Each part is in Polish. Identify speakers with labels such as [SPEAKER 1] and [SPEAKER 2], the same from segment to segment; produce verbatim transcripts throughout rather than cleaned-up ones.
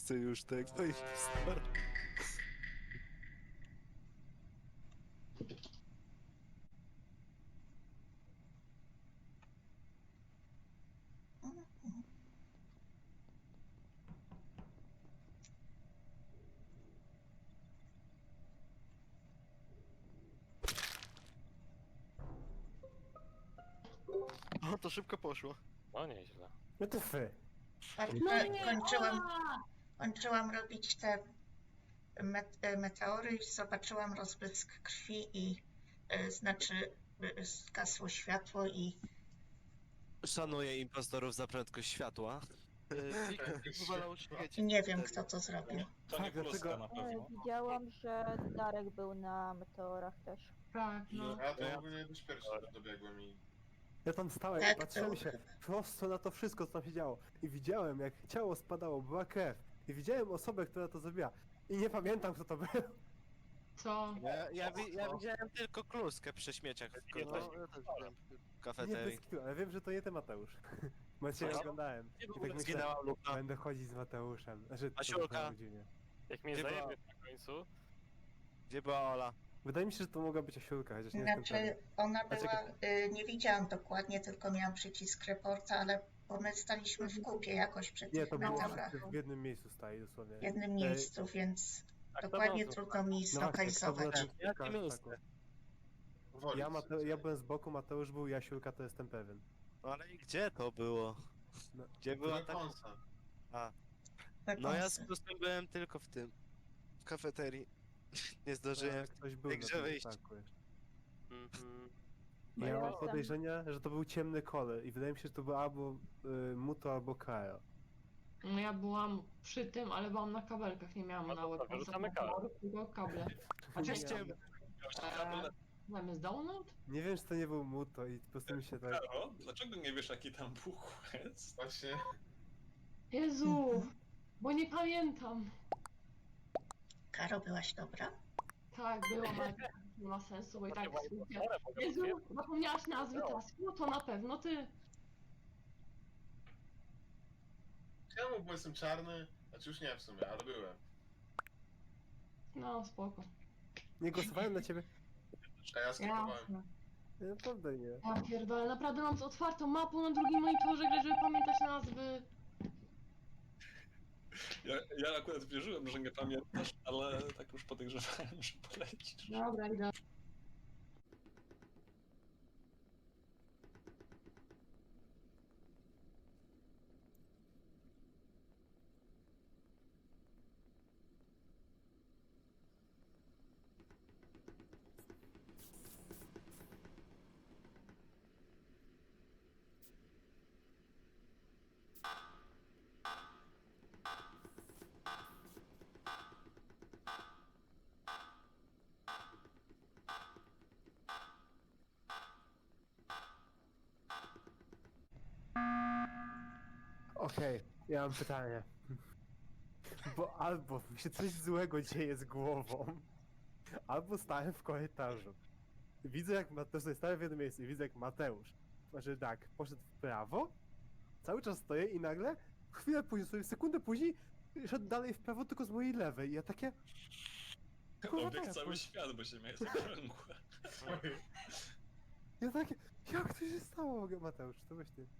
[SPEAKER 1] chcę już tego i stary.
[SPEAKER 2] O, to szybko poszło.
[SPEAKER 3] No nieźle.
[SPEAKER 4] No to fy.
[SPEAKER 5] Patrz,
[SPEAKER 6] No
[SPEAKER 5] e,
[SPEAKER 6] nie,
[SPEAKER 5] kończyłam,
[SPEAKER 6] Ola!
[SPEAKER 5] kończyłam robić te met, e, meteory i zobaczyłam rozbrysk krwi i e, znaczy e, zgasło światło i
[SPEAKER 1] Szanuję impostorów za prędkość światła.
[SPEAKER 2] Wywalał świeci.
[SPEAKER 5] nie wiem, kto to zrobił.
[SPEAKER 7] To nie
[SPEAKER 4] Tak,
[SPEAKER 7] kluska
[SPEAKER 4] dlatego-
[SPEAKER 7] na
[SPEAKER 8] E,
[SPEAKER 7] pewno.
[SPEAKER 8] Widziałam, że Darek był na meteorach też.
[SPEAKER 6] Tak, no.
[SPEAKER 9] Ja to ogólnie dość pierwszy dobiegłem i...
[SPEAKER 4] Ja tam stałem
[SPEAKER 5] Tak,
[SPEAKER 4] i patrzyłem
[SPEAKER 5] to-
[SPEAKER 4] się prosto na to wszystko, co tam się działo. I widziałem, jak ciało spadało, była krew. I widziałem osobę, która to zrobiła. I nie pamiętam, kto to był.
[SPEAKER 6] Co?
[SPEAKER 1] Ja, ja, wi ja widziałem tylko kluskę przy śmieciach w,
[SPEAKER 2] No,
[SPEAKER 1] ko-
[SPEAKER 2] ja też widziałem.
[SPEAKER 1] w
[SPEAKER 4] Nie,
[SPEAKER 1] kafeterii.
[SPEAKER 4] bez kitu, ale wiem, że to nie ty, Mateusz. Bo ja cię
[SPEAKER 1] Co?
[SPEAKER 4] oglądałem. I tak myślę,
[SPEAKER 1] Zginęła Luka.
[SPEAKER 4] będę chodzić z Mateuszem. Znaczy, to
[SPEAKER 1] Asiulka.
[SPEAKER 4] brzmiało dziwnie.
[SPEAKER 3] Jak mnie
[SPEAKER 1] Gdzie była-
[SPEAKER 3] zajebie na końcu,
[SPEAKER 1] Gdzie była Ola?
[SPEAKER 4] Wydaje mi się, że to mogła być Asiulka, chociaż nie jestem
[SPEAKER 5] Znaczy,
[SPEAKER 4] pewien.
[SPEAKER 5] ona
[SPEAKER 4] A
[SPEAKER 5] była,
[SPEAKER 4] czekaj.
[SPEAKER 5] y, nie widziałam dokładnie, tylko miałam przycisk reporta, ale bo my staliśmy w kupie jakoś przy
[SPEAKER 4] Nie,
[SPEAKER 5] tych
[SPEAKER 4] to było
[SPEAKER 5] meteorach
[SPEAKER 4] w jednym miejscu stali dosłownie.
[SPEAKER 5] w jednym
[SPEAKER 4] Ej,
[SPEAKER 5] miejscu, więc
[SPEAKER 3] tak, to
[SPEAKER 5] dokładnie
[SPEAKER 3] było
[SPEAKER 5] trudno mi
[SPEAKER 4] No właśnie, to było
[SPEAKER 5] zlokalizować.
[SPEAKER 4] tak-
[SPEAKER 1] Jakie
[SPEAKER 4] tak,
[SPEAKER 1] miejsce?
[SPEAKER 4] tak.
[SPEAKER 9] Woli
[SPEAKER 4] Ja, Mate ja byłem z boku, Mateusz był, Jasiulka to jestem pewien.
[SPEAKER 1] No ale i gdzie to było?
[SPEAKER 4] No.
[SPEAKER 1] Gdzie była ta...
[SPEAKER 9] Konsa.
[SPEAKER 1] A,
[SPEAKER 5] Te
[SPEAKER 1] no ja
[SPEAKER 5] kąsy.
[SPEAKER 1] z Klusem byłem tylko w tym. W kafeterii. Nie zdążyłem.
[SPEAKER 4] Ktoś był
[SPEAKER 1] jak
[SPEAKER 4] na
[SPEAKER 1] grze
[SPEAKER 4] tym
[SPEAKER 1] wyjść.
[SPEAKER 4] ataku jeszcze.
[SPEAKER 3] mhm.
[SPEAKER 4] Ja
[SPEAKER 8] Ja
[SPEAKER 4] mam
[SPEAKER 8] jestem-
[SPEAKER 4] podejrzenia, że to był ciemny kolor i wydaje mi się, że to był albo y, Muto, albo Kajo.
[SPEAKER 6] No ja byłam przy tym, ale byłam na kabelkach, nie miałam
[SPEAKER 3] No
[SPEAKER 6] na
[SPEAKER 3] to
[SPEAKER 6] łeb.
[SPEAKER 3] dobra, rzucamy kable.
[SPEAKER 6] Tylko kable.
[SPEAKER 1] Chociaż
[SPEAKER 4] Nie,
[SPEAKER 1] ciemny.
[SPEAKER 6] Eee, Mamy z download?
[SPEAKER 4] nie wiem, czy to nie był Muto i po prostu mi się tak...
[SPEAKER 7] Karo, dlaczego nie wiesz jaki tam był quest?
[SPEAKER 9] Właśnie,
[SPEAKER 6] Jezu! Bo nie pamiętam.
[SPEAKER 5] Karo, byłaś dobra?
[SPEAKER 6] Tak, byłam, ale nie ma sensu, bo i tak słuchaj.
[SPEAKER 3] Dobra, mogę
[SPEAKER 6] Jezu,
[SPEAKER 3] potwierdzić.
[SPEAKER 6] zapomniałaś nazwy tasku? No to na pewno ty.
[SPEAKER 9] czemu, bo jestem czarny? Znaczy już nie w sumie, ale byłem.
[SPEAKER 6] No, spoko.
[SPEAKER 4] Nie głosowałem na ciebie?
[SPEAKER 9] A ja skipowałem.
[SPEAKER 6] Jasne.
[SPEAKER 4] Nie, Naprawdę nie.
[SPEAKER 6] Ja pierdolę, naprawdę mam z otwartą mapą na drugim monitorze grę, żeby pamiętać nazwy.
[SPEAKER 7] Ja, ja akurat wierzyłem, że nie pamiętasz, ale tak już podejrzewałem, że polecisz.
[SPEAKER 6] Dobra, idę.
[SPEAKER 4] Okej, ja mam pytanie. Bo albo mi się coś złego dzieje z głową, albo stałem w korytarzu. Widzę jak Mateusz, stałem w jednym miejscu i widzę jak Mateusz, znaczy tak, poszedł w prawo, cały czas stoję i nagle, chwilę później, sobie sekundę później, szedł dalej w prawo tylko z mojej lewej i ja takie... Kurwa,
[SPEAKER 7] Obiegł
[SPEAKER 4] tak,
[SPEAKER 7] cały
[SPEAKER 4] kurwa.
[SPEAKER 7] świat, bo się miałeś zakręgłe.
[SPEAKER 4] Ja takie, jak to się stało, Mateusz, to weź ty.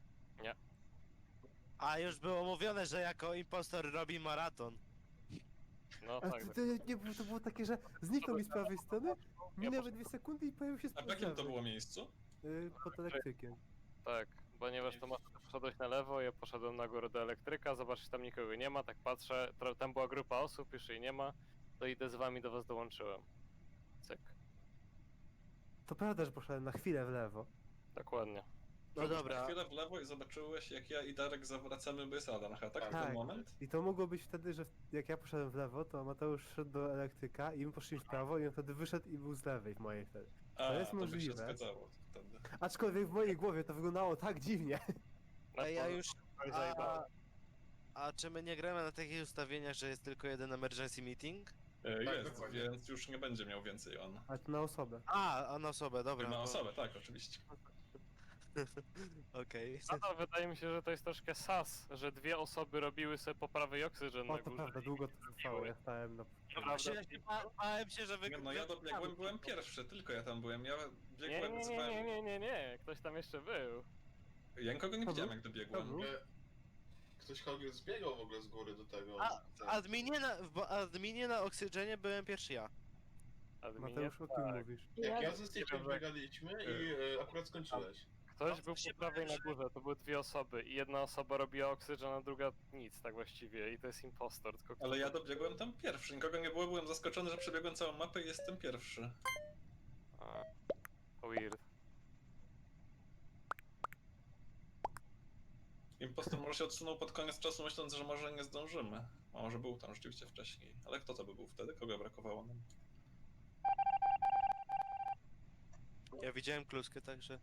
[SPEAKER 1] A już było mówione, że jako impostor robi maraton.
[SPEAKER 3] No
[SPEAKER 4] A
[SPEAKER 3] tak.
[SPEAKER 4] to, to, nie, było- to było takie, że zniknął mi z prawej strony, minęły dwie sekundy i pojawił się z
[SPEAKER 7] A w
[SPEAKER 4] prawej.
[SPEAKER 7] jakim to było miejscu?
[SPEAKER 4] Y, pod elektrykiem.
[SPEAKER 3] Tak, ponieważ to masz, poszedłeś na lewo, ja poszedłem na górę do elektryka, zobaczysz, tam nikogo nie ma, tak patrzę, tro- tam była grupa osób, już jej nie ma, to idę z wami, do was dołączyłem. Cyk,
[SPEAKER 4] To prawda, że poszedłem na chwilę w lewo.
[SPEAKER 3] dokładnie.
[SPEAKER 1] No
[SPEAKER 7] Na
[SPEAKER 1] dobra.
[SPEAKER 7] chwilę w lewo i zobaczyłeś, jak ja i Darek zawracamy, bo jest Adam, tak? W
[SPEAKER 4] Tak.
[SPEAKER 7] ten moment?
[SPEAKER 4] I to mogło być wtedy, że jak ja poszedłem w lewo, to Mateusz szedł do elektryka i my poszliśmy w prawo i on wtedy wyszedł i był z lewej w mojej wtedy.
[SPEAKER 7] A,
[SPEAKER 4] jest
[SPEAKER 7] to by się
[SPEAKER 4] możliwe.
[SPEAKER 7] zgadzało wtedy.
[SPEAKER 4] Aczkolwiek w mojej głowie to wyglądało tak dziwnie.
[SPEAKER 3] No,
[SPEAKER 1] Ej, ja już...
[SPEAKER 3] to
[SPEAKER 1] A,
[SPEAKER 3] zajebałem.
[SPEAKER 1] a czy my nie gramy na takich ustawieniach, że jest tylko jeden emergency meeting?
[SPEAKER 7] E,
[SPEAKER 9] Tak,
[SPEAKER 7] Jest,
[SPEAKER 9] dokładnie.
[SPEAKER 7] więc już nie będzie miał więcej on.
[SPEAKER 4] Ale to na osobę.
[SPEAKER 1] A, a na osobę, dobra.
[SPEAKER 7] Na
[SPEAKER 1] to-
[SPEAKER 7] osobę, tak, oczywiście.
[SPEAKER 1] Okej.
[SPEAKER 3] Nadal wydaje mi się, że to jest troszkę sas, że dwie osoby robiły sobie poprawy i oksygen
[SPEAKER 4] O,
[SPEAKER 3] na
[SPEAKER 4] to
[SPEAKER 3] górze.
[SPEAKER 4] prawda, długo to trwało, ja stałem na...
[SPEAKER 1] Właśnie ja się ba- bałem się, że wy...
[SPEAKER 7] Nie, no ja dobiegłem, byłem pierwszy, tylko ja tam byłem. Ja
[SPEAKER 3] Nie,
[SPEAKER 7] biegłem,
[SPEAKER 3] nie, nie,
[SPEAKER 7] wzywałem...
[SPEAKER 3] nie, nie, nie, nie, ktoś tam jeszcze był.
[SPEAKER 7] Ja nikogo nie
[SPEAKER 4] To
[SPEAKER 7] widziałem
[SPEAKER 4] był?
[SPEAKER 7] jak
[SPEAKER 4] To
[SPEAKER 7] dobiegłem.
[SPEAKER 4] był?
[SPEAKER 9] E, Ktoś kogoś zbiegał w ogóle z góry do tego.
[SPEAKER 1] A,
[SPEAKER 9] ten-
[SPEAKER 1] w adminie na, w adminie na oksygenie byłem pierwszy ja.
[SPEAKER 3] Adminie,
[SPEAKER 4] Mateusz, o kim
[SPEAKER 3] tak.
[SPEAKER 4] mówisz?
[SPEAKER 9] Jak ja
[SPEAKER 8] Ja,
[SPEAKER 9] ze Steve'em biegaliśmy i e, akurat skończyłeś.
[SPEAKER 3] Ktoś
[SPEAKER 1] No,
[SPEAKER 3] był
[SPEAKER 1] to się
[SPEAKER 3] po prawej na
[SPEAKER 1] powiem, że-
[SPEAKER 3] górze, to były dwie osoby i jedna osoba robiła oksygen, a druga nic tak właściwie i to jest impostor, tylko kto...
[SPEAKER 7] Ale ja dobiegłem tam pierwszy, nikogo nie było, byłem zaskoczony, że przebiegłem całą mapę i jestem pierwszy.
[SPEAKER 3] A, weird.
[SPEAKER 7] Impostor może się odsunął pod koniec czasu, myśląc, że może nie zdążymy. A może był tam rzeczywiście wcześniej. Ale kto to by był wtedy? Kogo brakowało nam?
[SPEAKER 1] Ja widziałem kluskę, także...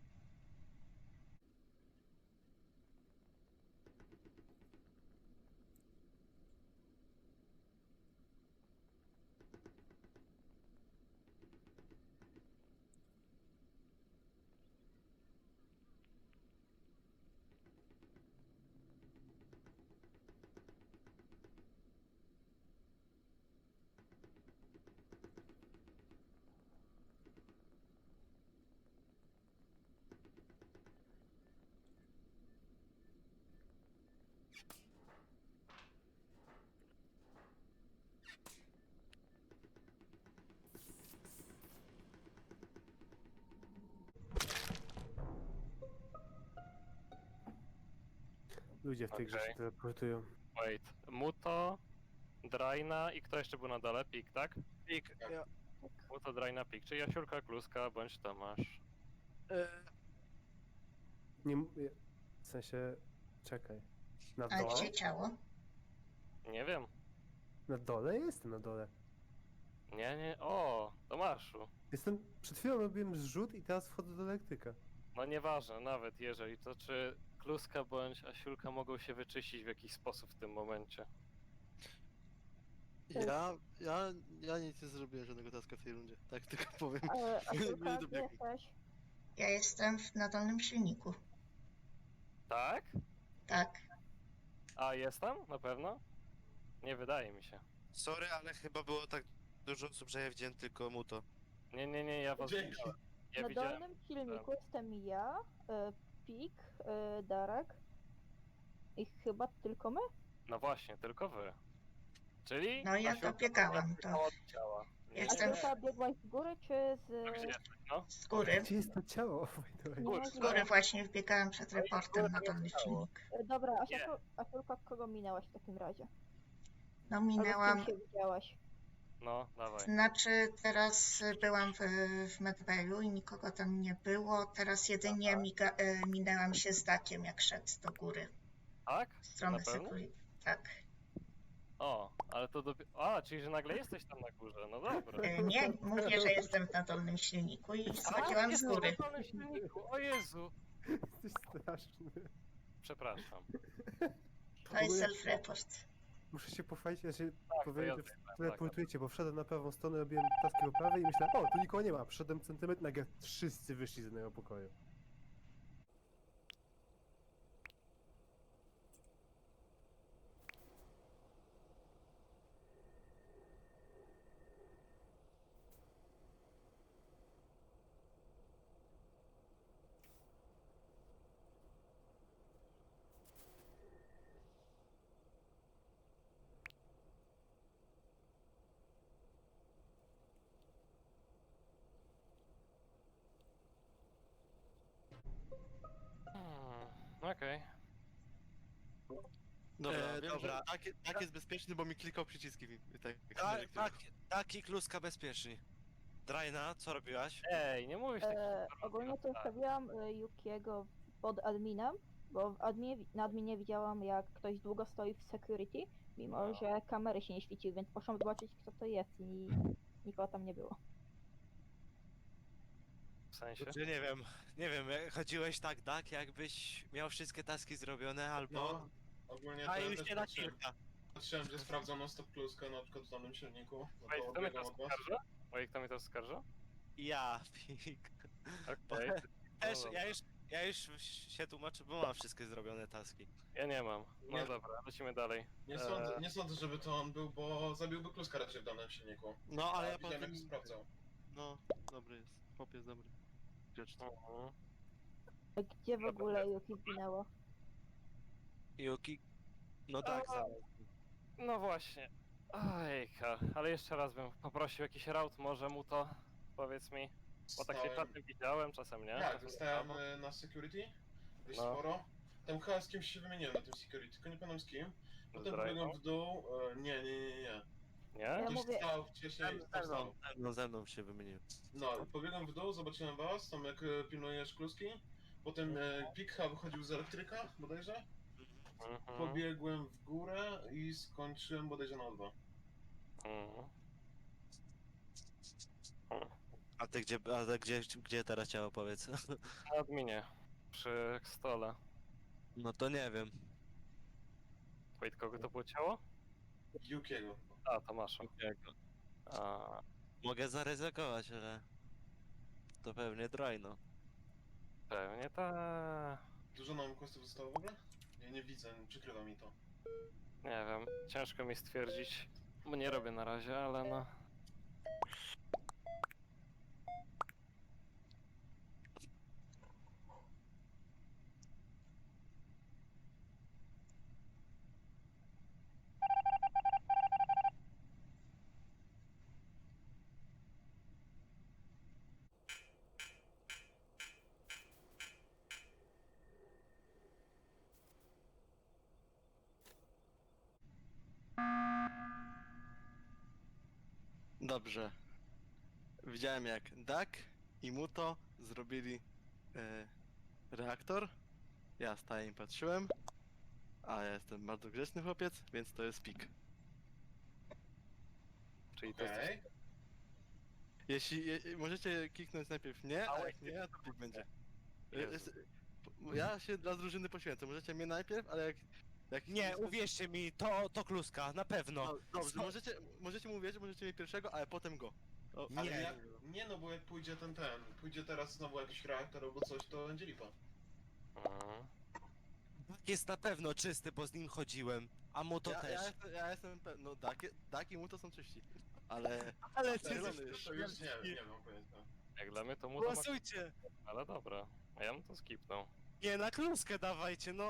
[SPEAKER 4] Ludzie w tej grze
[SPEAKER 3] Okej.
[SPEAKER 4] się teleportują.
[SPEAKER 3] Wait, Muto, Draina i kto jeszcze był na dole? Pik, tak?
[SPEAKER 1] Pik, ja...
[SPEAKER 3] Muto, Draina, Pik, czyli Jasiulka, Kluska bądź Tomasz.
[SPEAKER 1] E,
[SPEAKER 4] Nie, m- ja- w sensie, czekaj. Na
[SPEAKER 5] A
[SPEAKER 4] dole?
[SPEAKER 5] gdzie ciało?
[SPEAKER 3] Nie wiem.
[SPEAKER 4] Na dole? Jestem na dole.
[SPEAKER 3] Nie, nie, o, Tomaszu.
[SPEAKER 4] Jestem, przed chwilą robiłem zrzut i teraz wchodzę do elektryka.
[SPEAKER 3] No nieważne, nawet jeżeli, to czy Kluska bądź Asiulka mogą się wyczyścić w jakiś sposób w tym momencie?
[SPEAKER 2] Ja, ja, ja nic nie zrobiłem żadnego taska w tej rundzie. Tak tylko powiem.
[SPEAKER 8] ale a
[SPEAKER 2] Nie
[SPEAKER 8] Julka, gdzie
[SPEAKER 2] dobiegłem.
[SPEAKER 8] jesteś?
[SPEAKER 5] Ja jestem w, na dolnym silniku.
[SPEAKER 3] Tak?
[SPEAKER 5] Tak.
[SPEAKER 3] A jestem? Na pewno? Nie wydaje mi się.
[SPEAKER 1] sorry, ale chyba było tak dużo osób, że ja widziałem tylko Muto.
[SPEAKER 3] Nie, nie, nie, ja was
[SPEAKER 9] Dzięki.
[SPEAKER 3] widziałem. Ja
[SPEAKER 8] Na
[SPEAKER 3] widziałem.
[SPEAKER 8] dolnym silniku jestem ja, e, Pik, e, Darek i chyba tylko my?
[SPEAKER 3] No właśnie, tylko wy. Czyli?
[SPEAKER 5] No ja
[SPEAKER 3] Asiulka
[SPEAKER 5] dobiegałam
[SPEAKER 3] była
[SPEAKER 5] to.
[SPEAKER 3] od ciała. Nie,
[SPEAKER 8] A
[SPEAKER 5] Jestem
[SPEAKER 3] nie,
[SPEAKER 5] w-
[SPEAKER 8] Julka biegłaś z góry czy z...
[SPEAKER 3] nie. Gdzie jesteś, no?
[SPEAKER 5] Z góry.
[SPEAKER 4] Gdzie jest to ciało? by the way?
[SPEAKER 8] Nie,
[SPEAKER 5] Z góry właśnie wbiegałam przed
[SPEAKER 3] No i
[SPEAKER 5] reportem na
[SPEAKER 3] góry
[SPEAKER 5] dolny
[SPEAKER 3] ciało.
[SPEAKER 5] silnik.
[SPEAKER 8] E, Dobra, a
[SPEAKER 3] Nie.
[SPEAKER 8] Asiulka, kogo minęłaś w takim razie?
[SPEAKER 5] No
[SPEAKER 8] Albo z
[SPEAKER 5] minęłam...
[SPEAKER 8] kim się widziałaś?
[SPEAKER 3] No, dawaj.
[SPEAKER 5] Znaczy teraz y, byłam w, w Medbayu i nikogo tam nie było. Teraz jedynie miga, y, minęłam się z Dakiem, jak szedł do góry.
[SPEAKER 3] Tak?
[SPEAKER 5] W stronę
[SPEAKER 3] Na pewno?
[SPEAKER 5] security. Tak.
[SPEAKER 3] O, ale to dopiero... A, czyli że nagle jesteś tam na górze, no dobra.
[SPEAKER 5] Y, Nie, mówię, że jestem na dolnym silniku i schodziłam z
[SPEAKER 3] jesteś
[SPEAKER 5] góry.
[SPEAKER 3] na dolnym silniku, o Jezu!
[SPEAKER 4] Jesteś straszny.
[SPEAKER 3] Przepraszam.
[SPEAKER 5] To jest self-report.
[SPEAKER 4] Muszę się pochwalić, ja się
[SPEAKER 3] Tak, to
[SPEAKER 4] powiedzieć,
[SPEAKER 3] ja
[SPEAKER 4] że
[SPEAKER 3] zajmę, tak,
[SPEAKER 4] teleportujecie, bo wszedłem na prawą stronę, robiłem taski po prawej i myślałem, o, tu nikogo nie ma. Przyszedłem centymetr, nagle wszyscy wyszli z jednego pokoju.
[SPEAKER 3] Hmm, okej.
[SPEAKER 2] Dobra,
[SPEAKER 1] E,
[SPEAKER 2] wiem,
[SPEAKER 1] dobra.
[SPEAKER 2] że tak, tak jest bezpieczny, bo mi klikał przyciski. i Tak,
[SPEAKER 1] Tak, tak, taki kluska bezpieczni. Drajna, co robiłaś?
[SPEAKER 3] Ej, nie mówisz takich
[SPEAKER 8] E,
[SPEAKER 3] informacji
[SPEAKER 8] ogólnie
[SPEAKER 3] na
[SPEAKER 8] to
[SPEAKER 3] tak.
[SPEAKER 8] ustawiłam e, Yukiego pod adminem, bo w adminie, na adminie widziałam jak ktoś długo stoi w security, mimo
[SPEAKER 3] No.
[SPEAKER 8] że kamery się nie świeciły, więc poszłam zobaczyć kto to jest i nikogo tam nie było.
[SPEAKER 3] W sensie?
[SPEAKER 1] Znaczy, nie wiem, nie wiem, jak chodziłeś tak, tak, jakbyś miał wszystkie taski zrobione, albo...
[SPEAKER 9] No, ogólnie
[SPEAKER 1] A
[SPEAKER 9] to ja
[SPEAKER 1] już
[SPEAKER 9] też
[SPEAKER 1] nie na
[SPEAKER 9] patrzyłem,
[SPEAKER 1] kilka.
[SPEAKER 9] patrzyłem, że sprawdzono stop pluskę na przykład w dolnym silniku. No
[SPEAKER 3] Wait,
[SPEAKER 9] to
[SPEAKER 3] kto mnie
[SPEAKER 9] biegam
[SPEAKER 3] to
[SPEAKER 9] od was.
[SPEAKER 3] skarża? Wait, kto mnie to skarża?
[SPEAKER 1] Ja, pik.
[SPEAKER 3] Okej.
[SPEAKER 1] Też,
[SPEAKER 3] No
[SPEAKER 1] ja już, ja już się tłumaczę, bo mam wszystkie zrobione taski.
[SPEAKER 3] Ja nie mam. No
[SPEAKER 9] Nie.
[SPEAKER 3] dobra, lecimy dalej.
[SPEAKER 9] Nie
[SPEAKER 3] Eee.
[SPEAKER 9] sądzę, nie sądzę, żeby to on był, bo zabiłby kluska raczej w danym silniku.
[SPEAKER 2] No, ale ja
[SPEAKER 9] widziałem, jak
[SPEAKER 2] potem...
[SPEAKER 9] sprawdzał.
[SPEAKER 2] No, dobry jest. Chłop jest dobry. Grzeczny.
[SPEAKER 3] Mhm.
[SPEAKER 8] Gdzie w ogóle Yuki zginęło?
[SPEAKER 1] Yuki... No tak,
[SPEAKER 3] A.
[SPEAKER 1] za...
[SPEAKER 3] No właśnie. Ojka, ale jeszcze raz bym poprosił jakiś raut, może mu to, powiedz mi. Bo tak się
[SPEAKER 9] Stałem-
[SPEAKER 3] czasem widziałem, czasem nie.
[SPEAKER 9] Tak,
[SPEAKER 3] czasem
[SPEAKER 9] zostałem
[SPEAKER 3] nie.
[SPEAKER 9] y, na security, dość
[SPEAKER 3] No.
[SPEAKER 9] sporo. Tam chyba z kimś się wymieniłem na tym security, tylko nie pamiętam z kim. Potem
[SPEAKER 3] Z
[SPEAKER 9] pobiegłem
[SPEAKER 3] Rajną?
[SPEAKER 9] w dół, e, nie, nie, nie, nie.
[SPEAKER 3] Nie?
[SPEAKER 8] Ja
[SPEAKER 9] Ktoś
[SPEAKER 8] mówię-
[SPEAKER 9] stał wcześniej,
[SPEAKER 1] Ze
[SPEAKER 9] tam
[SPEAKER 1] mną,
[SPEAKER 9] stał.
[SPEAKER 1] ze mną, ze mną się wymienił.
[SPEAKER 9] No, pobiegłem w dół, zobaczyłem was, tam jak e, pilnujesz kluski. Potem e, Pik chyba wychodził z elektryka, bodajże.
[SPEAKER 3] Mhm.
[SPEAKER 9] Pobiegłem w górę i skończyłem bodajże na O dwa.
[SPEAKER 3] Mhm.
[SPEAKER 1] A ty gdzie, a ty gdzie, gdzie teraz ciało, powiedz?
[SPEAKER 3] Na adminie, przy stole.
[SPEAKER 1] No to nie wiem.
[SPEAKER 3] Wait, kogo to było ciało?
[SPEAKER 9] Yukiego.
[SPEAKER 3] A, Tomasza.
[SPEAKER 1] Jakiego?
[SPEAKER 3] A,
[SPEAKER 1] Mogę zaryzykować, ale... To pewnie Drajno.
[SPEAKER 3] pewnie ta.
[SPEAKER 9] Dużo nam questów zostało w ogóle? Ja nie widzę, przykrywa mi to.
[SPEAKER 3] Nie wiem, ciężko mi stwierdzić, bo nie robię na razie, ale no.
[SPEAKER 2] Dobrze. Widziałem jak Duck i Muto zrobili e, reaktor. Ja stałem i patrzyłem. A ja jestem bardzo grzeczny chłopiec, więc to jest pik.
[SPEAKER 3] Czyli to jest.
[SPEAKER 9] Okej.
[SPEAKER 2] Jeśli je, możecie kliknąć najpierw nie, a jak nie, to pik będzie. E,
[SPEAKER 3] Jezu.
[SPEAKER 2] jest- Ja się dla drużyny poświęcę. Możecie mnie najpierw, ale jak... jak
[SPEAKER 1] Nie, uwierzcie mi, to, to kluska, na pewno.
[SPEAKER 2] No, dobrze,
[SPEAKER 1] Co?
[SPEAKER 2] możecie, możecie mu uwierzyć, możecie mieć pierwszego, ale potem go. O,
[SPEAKER 9] Ale
[SPEAKER 1] Nie.
[SPEAKER 9] ja, nie no, bo jak pójdzie ten ten, pójdzie teraz znowu jakiś reaktor albo coś, to będzie lipa.
[SPEAKER 3] Mhm.
[SPEAKER 1] Jest na pewno czysty, bo z nim chodziłem. A mu to
[SPEAKER 2] ja,
[SPEAKER 1] też.
[SPEAKER 2] ja, jestem, ja jestem pewny, no Duck, Duck i Muto są czyści. Ale...
[SPEAKER 1] Ale
[SPEAKER 9] To,
[SPEAKER 1] ty
[SPEAKER 2] zielony
[SPEAKER 9] już,
[SPEAKER 2] jest.
[SPEAKER 9] to już nie wiem, nie mam pojęcia.
[SPEAKER 3] Jak dla mnie to mu to ma...
[SPEAKER 1] głosujcie!
[SPEAKER 3] Ale dobra, a ja bym to skipnął.
[SPEAKER 1] Nie, na kluskę dawajcie, no.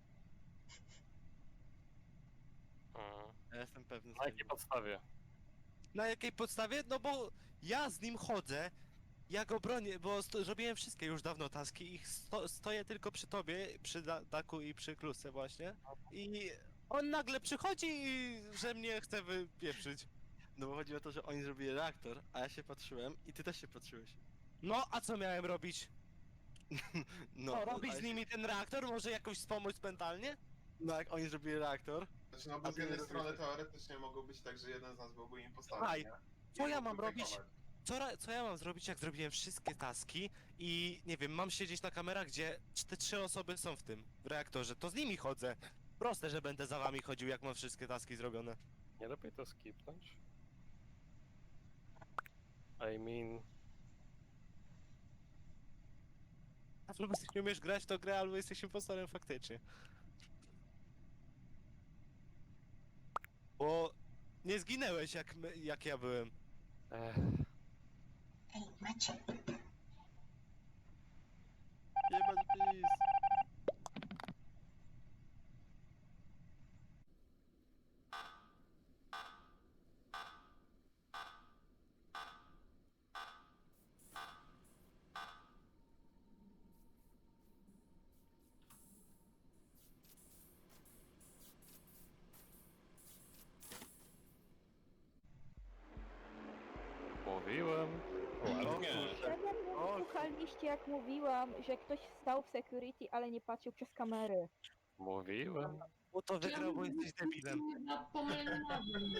[SPEAKER 3] Mhm.
[SPEAKER 2] Ja jestem pewny.
[SPEAKER 3] Na jakiej podstawie?
[SPEAKER 1] Na jakiej podstawie? No bo ja z nim chodzę, ja go bronię, bo sto- zrobiłem wszystkie już dawno taski i sto stoję tylko przy tobie, przy da Daku i przy klusce właśnie. I on nagle przychodzi i że mnie chce wypieprzyć.
[SPEAKER 2] No bo chodzi o to, że oni zrobili reaktor, a ja się patrzyłem i ty też się patrzyłeś.
[SPEAKER 1] No, a co miałem robić?
[SPEAKER 2] No,
[SPEAKER 1] Co, robić
[SPEAKER 2] a
[SPEAKER 1] z nimi ten reaktor? Może jakoś wspomóc mentalnie?
[SPEAKER 2] No jak oni zrobili reaktor,
[SPEAKER 9] Znaczy no
[SPEAKER 2] A
[SPEAKER 9] bo z
[SPEAKER 2] ty
[SPEAKER 9] jednej
[SPEAKER 2] nie
[SPEAKER 9] strony
[SPEAKER 2] robisz.
[SPEAKER 9] teoretycznie mogło być tak, że jeden z nas byłby impostorem,
[SPEAKER 1] Słuchaj,
[SPEAKER 9] nie?
[SPEAKER 1] co
[SPEAKER 9] I
[SPEAKER 1] ja
[SPEAKER 9] mógłby
[SPEAKER 1] mam robić?
[SPEAKER 9] fejkować.
[SPEAKER 1] Co, ra- co ja mam zrobić, jak zrobiłem wszystkie taski i nie wiem, mam siedzieć na kamerach, gdzie te trzy osoby są w tym, w reaktorze, to z nimi chodzę. Proste, że będę za wami chodził, jak mam wszystkie taski zrobione.
[SPEAKER 3] Nie lepiej to skipnąć? I mean...
[SPEAKER 1] Albo nie umiesz grać, to grę, albo jesteś impostorem faktycznie. Bo nie zginęłeś, jak, my, jak ja byłem.
[SPEAKER 3] Ech,
[SPEAKER 5] Ej, macie.
[SPEAKER 2] jebać please.
[SPEAKER 3] mówiłem.
[SPEAKER 7] Ładnie.
[SPEAKER 2] O,
[SPEAKER 8] Słuchaliście jak mówiłam, że ktoś stał w security, ale nie patrzył przez kamery.
[SPEAKER 3] Mówiłem.
[SPEAKER 1] Bo to wygrał, bo jesteś debilem.
[SPEAKER 6] Na pomylenie nazwy.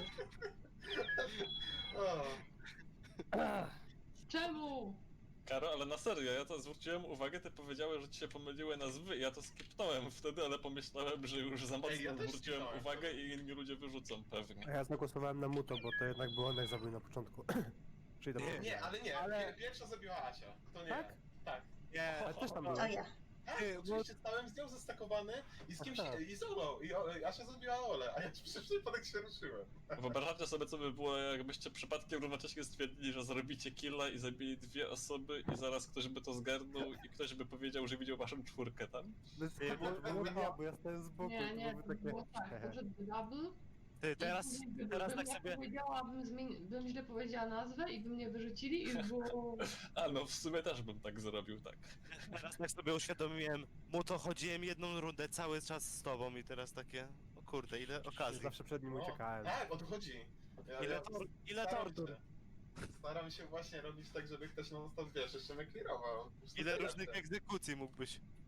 [SPEAKER 9] O,
[SPEAKER 3] Ech,
[SPEAKER 6] Czemu?
[SPEAKER 7] Karo, ale na serio, ja to zwróciłem uwagę, ty powiedziałeś, że ci się pomyliły nazwy, ja to skipnąłem wtedy, ale pomyślałem, że już za mocno
[SPEAKER 9] Ej, ja też
[SPEAKER 7] zwróciłem
[SPEAKER 9] skipnąłem
[SPEAKER 7] uwagę
[SPEAKER 9] wtedy.
[SPEAKER 7] i inni ludzie wyrzucą pewnie.
[SPEAKER 4] A ja zagłosowałem na Muto, bo to jednak był on jak zabił na początku. Czyli dobrze.
[SPEAKER 9] nie, ale nie,
[SPEAKER 4] Ale-
[SPEAKER 9] ale... pierwsza zabiła Asia. To nie.
[SPEAKER 4] Tak?
[SPEAKER 9] Tak.
[SPEAKER 1] Nie,
[SPEAKER 4] Ale też tam
[SPEAKER 5] To
[SPEAKER 4] byłem.
[SPEAKER 5] ja.
[SPEAKER 9] Tak,
[SPEAKER 1] Ty, bo-
[SPEAKER 9] oczywiście stałem z nią zestakowany i z kimś,
[SPEAKER 4] Aha.
[SPEAKER 9] i z Olą, i o, Asia zabiła Olę, a ja przez przypadek się ruszyłem.
[SPEAKER 7] Wyobrażacie sobie, co by było, jakbyście przypadkiem równocześnie stwierdzili, że zrobicie killa i zabili dwie osoby i zaraz ktoś by to zgarnął i ktoś by powiedział, że widział waszą czwórkę tam?
[SPEAKER 4] No to było, było ja, bo ja stałem z boku
[SPEAKER 6] Nie,
[SPEAKER 4] i
[SPEAKER 6] nie,
[SPEAKER 4] to
[SPEAKER 6] to
[SPEAKER 4] były takie...
[SPEAKER 6] było tak, poszedł double.
[SPEAKER 1] Ty, teraz,
[SPEAKER 6] i później
[SPEAKER 1] teraz
[SPEAKER 6] bym
[SPEAKER 1] tak
[SPEAKER 6] ja
[SPEAKER 1] sobie...
[SPEAKER 6] powiedziałabym, zmieni- bym źle powiedziała nazwę i by mnie wyrzucili i już było...
[SPEAKER 7] A no, w sumie też bym tak zrobił, tak.
[SPEAKER 1] Teraz tak sobie uświadomiłem, mu to chodziłem jedną rundę cały czas z tobą i teraz takie, o kurde, ile okazji.
[SPEAKER 4] Zawsze przed nim
[SPEAKER 9] No,
[SPEAKER 4] uciekałem.
[SPEAKER 9] tak, o to chodzi. Ja,
[SPEAKER 1] Ile,
[SPEAKER 9] ja
[SPEAKER 1] tor ile
[SPEAKER 9] staram
[SPEAKER 1] tortur,
[SPEAKER 9] się- Staram się właśnie robić tak, żeby ktoś non stop, wiesz, jeszcze mnie clearował.
[SPEAKER 1] ile różnych egzekucji mógłbyś.